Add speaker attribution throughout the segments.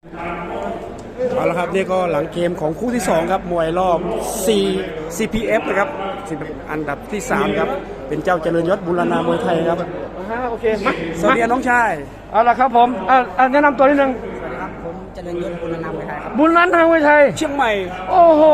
Speaker 1: เอาละครับนี่ก็หลังเกมของคู่ที่2ครับมวยรอบ CPF นะครับอันดับที่3ครับเป็นเจ้าเจริญยศบุรณามวยไทยครับ
Speaker 2: โอเคมา
Speaker 1: สวัสดีน้องชาย
Speaker 2: เอาละครับผมแนะนำตัวนิดนึง
Speaker 3: สวัสดีครับผมเจริญยศบุรณามวยไทยครับ
Speaker 2: บุรณามวยไทย
Speaker 1: เชียงใหม่
Speaker 2: โอ้โห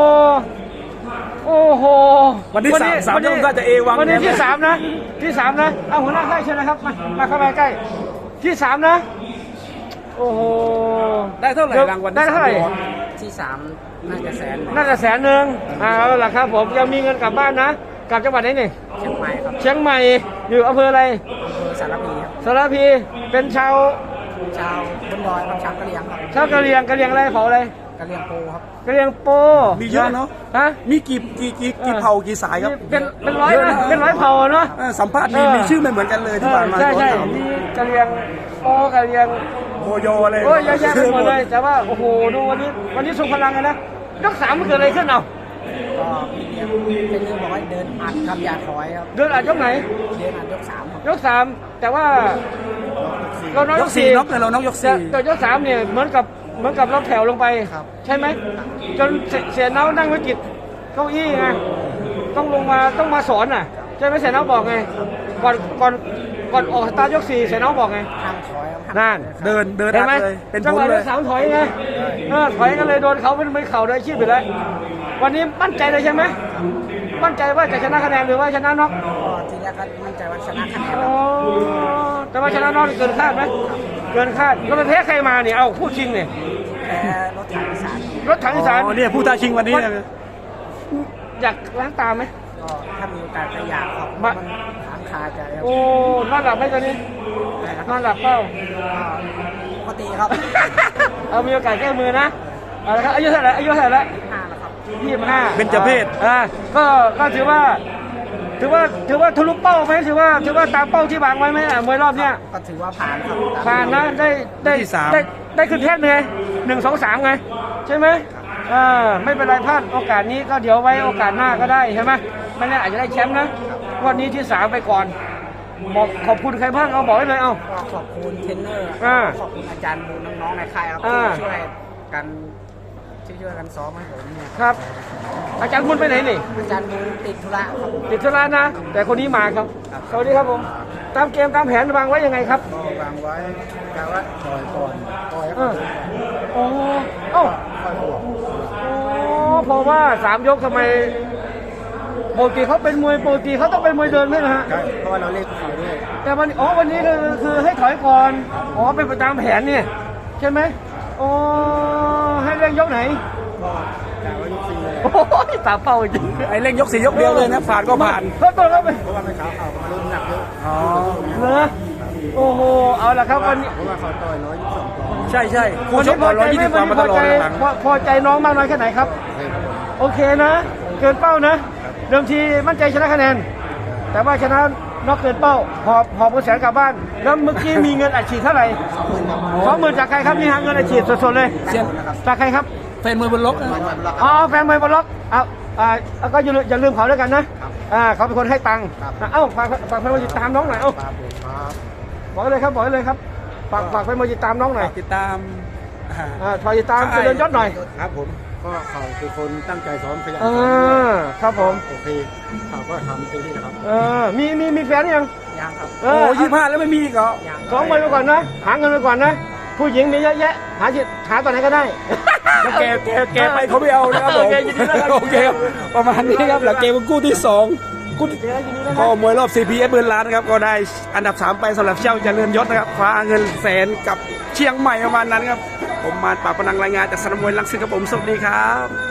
Speaker 1: วันที่3ยกก็จะเอวัง
Speaker 2: วันนี้ที่3นะเอาหัวหน้าค่ายเชิญนะครับมาเข้ามาใกล้ที่3นะโอ้โห
Speaker 1: ได้เท่าไหร่รางวัล
Speaker 2: ได้เท่าไหร่
Speaker 3: ที่3น่าจะ100,000
Speaker 2: เอาล่ะครับผมยังมีเงินกลับบ้านนะกลับจังหวัดไหนนี่
Speaker 3: เชียงใหม่ครับ
Speaker 2: เชียงใหม่อยู่อำเภออะไร
Speaker 3: อำเภอสารพีครับ
Speaker 2: สารพีเป็นชาว
Speaker 3: บนดอยครับชาวกะเหรี่ยงครับ
Speaker 2: ชาวกะเหรี่ยงอะไรเผ่าอะไร
Speaker 3: กะเหรี่ยงโปครับ
Speaker 2: กะเหรี่ยงโป
Speaker 1: มีเยอะเนาะมีกี่เผ่ากี่สายครับ
Speaker 2: เป็นร้อยนะเป็นร้อยเผ่าเนาะ
Speaker 1: สัมภาษณ์มีชื่อไม่เหมือนกันเลยที่ผ่านมา
Speaker 2: ใช่มีกะเหรี่ยงโปกะเหรี่ยง
Speaker 1: โมโยอะไร
Speaker 2: โอ้ยเยอะแยะไปหมดเลยแต่ว่าโอ้โหดูวันนี้ทรงพลังกันนะยก3มันเกิดอะไรขึ้นเอา
Speaker 3: ก็เป็นเรื่องบอกว่าเดินอัดครับอย่าถอยครับ
Speaker 2: เดินอัดยกไหน
Speaker 3: เดินอัดยก3ครับ
Speaker 2: ยก3แต่ว่าเราน้อยยก4
Speaker 1: น็อกเลยเราน็อกยก4
Speaker 2: แต่ยก3เนี่ยเหมือนกับเราแถวลงไปใช่ไหมจนเสียเนานั่งวิกฤตเก้าอี้ไงต้องลงมาต้องมาสอนน่ะใช่ไหมเสียเนาบอกไงก่อนออกสตาร์ทยก4เสียเนาบอกไง
Speaker 3: ห้ามถอยครับ
Speaker 2: นั่น
Speaker 1: เดิน
Speaker 2: เห็นไหม
Speaker 1: เป็น
Speaker 2: จังหวะยก3ถอยไงถอยกันเลยโดนเขาไม่เข่าเลยชีพไปเลยวันนี้มั่นใจเลยใช่ไหมมั่นใจว่าจะชนะคะแนนหรือว่าชนะน็อก
Speaker 3: ทีแรกก็มั่นใจว่าชนะคะแนน
Speaker 2: แต่ว่าชนะน็อกเกินคาดไหมเกินคาดแล้วมันแพ้ใครมาเนี่ยเอาคู่ชิงเนี่ย
Speaker 3: แพ้รถถังอีสาน
Speaker 1: เนี่ยผู้ท้าชิงวันนี้
Speaker 2: อยากล้างตาไหม
Speaker 3: ก็ถ้ามีโอกาสก็อยากครับมันถามคาใจครับ
Speaker 2: โอ้นอนหลับไหมตอนนี้นอนหลับเปล่า
Speaker 3: ปกติครับ
Speaker 2: เอามีโอกาสแก้มือนะเอาละครับอายุเท่าไหร่แล้ว
Speaker 3: 25แล้วครับ
Speaker 2: 25
Speaker 1: เป็นเจ้าเพศ
Speaker 2: ก็ถือว่าทะลุเป้าไหมถือว่าตามเป้าที่วางไว้ไหมมวยรอบเนี้ย
Speaker 3: ก็ถือว่าผ่านครับ
Speaker 2: ผ่านนะได้ขึ้นเทพไง1 2 3ไงใช่ไหมไม่เป็นไรพลาดโอกาสนี้ก็เดี๋ยวไว้โอกาสหน้าก็ได้ใช่ไหมไม่แน่อาจจะได้แชมป์นะวันนี้ที่3ไปก่อนบอกขอบคุณใครบ้างเอาบอกได้เลยเอา
Speaker 3: ขอบคุณเทรนเนอร์ขอบคุณอาจารย์บูน้องๆในค่ายครับช่วยกันซ้อมให้ผมเนี่ย
Speaker 2: ครับอาจารย์บุญไปไหนนี่
Speaker 3: อาจารย์บุญติดธุระครับ
Speaker 2: ติดธุระนะแต่คนนี้มาครับสวัสดีครับผมตามเกมตามแผนวางไว้ยังไงครับ
Speaker 3: วางไว้กะว่าถอยก่อน
Speaker 2: เพราะว่า3 ยกทำไมปกติเขาเป็นมวยปกติเขาต้องเป็นมวยเดินไหมนะฮะ
Speaker 3: ใช่เพราะว่าเราเล่นเขาด้วย
Speaker 2: แต่วันนี้คือให้ถอยก่อนเป็นไปตามแผนเนี่ยใช่ไหมให้เร่งยกไหน
Speaker 3: กะว่ายก4เลย
Speaker 2: โอ้ยตาเป้าจริง
Speaker 1: ไอ้เร่งยก4ยกเดียวเลยนะผ่านก็ผ่าน
Speaker 2: เขาตัวเขาไป
Speaker 3: เพราะว่าไม่เขามาลุ้นหนักเยอะ
Speaker 2: เหรอโอ้โหเอาละครับวันนี้
Speaker 3: เพราะว่าเขาต่อย122
Speaker 1: ใช่คู่ชก120 กว่ามาตลอดหลัง
Speaker 2: พอใจน้องมากน้อยแค่ไหนครับโอเคนะเกินเป้านะเดิมทีมั่นใจชนะคะแนนแต่ว่าชนะน็อกเกินเป้าหอบ100,000กลับบ้านแล้วเมื่อกี้มีเงินอัดฉีดเท่าไหร่20,000จากใครครับนี่ฮะเงินอัดฉีดสดๆเลยจากใครครับ
Speaker 1: แฟนมวยบนล็อก
Speaker 2: แฟนมวยบนล็อกก็อย่าลืมเขาด้วยกันนะเขาเป็นคนให้ตังค์ฝากแฟนมวยติดตามน้องหน่อยบอกเลยครับฝากแฟนมวยติดตามน้องหน่อย
Speaker 1: ติดตาม
Speaker 2: ติดตามเจริญยศหน่อย
Speaker 3: ครับผมก็เขาคือคนตั้งใจซ้อมขยัน
Speaker 2: ครับผม
Speaker 3: โอเคเขาก็ทำเต็มที่นะครับ
Speaker 2: มีแฟนยัง
Speaker 3: ครับ
Speaker 1: 25แล้วไม่มีก็
Speaker 2: ซ้อมไปก่อนนะหาเงินไปก่อนนะผู้หญิงมีเยอะแยะหาตอนไหนก็ได้
Speaker 1: แกไปเขาไม่เอานะครับผมโอเคครับประมาณนี้ครับหลังเกมคู่ที่2ก็มวยรอบ CPF เงินล้านนะครับก็ได้อันดับ3ไปสำหรับเจ้าเจริญยศนะครับคว้าเงิน100,000กับเชียงใหม่ประมาณนั้นครับผมมาปราบพนังรายงานจากสนามมวยรังสิตครับผมสวัสดีครับ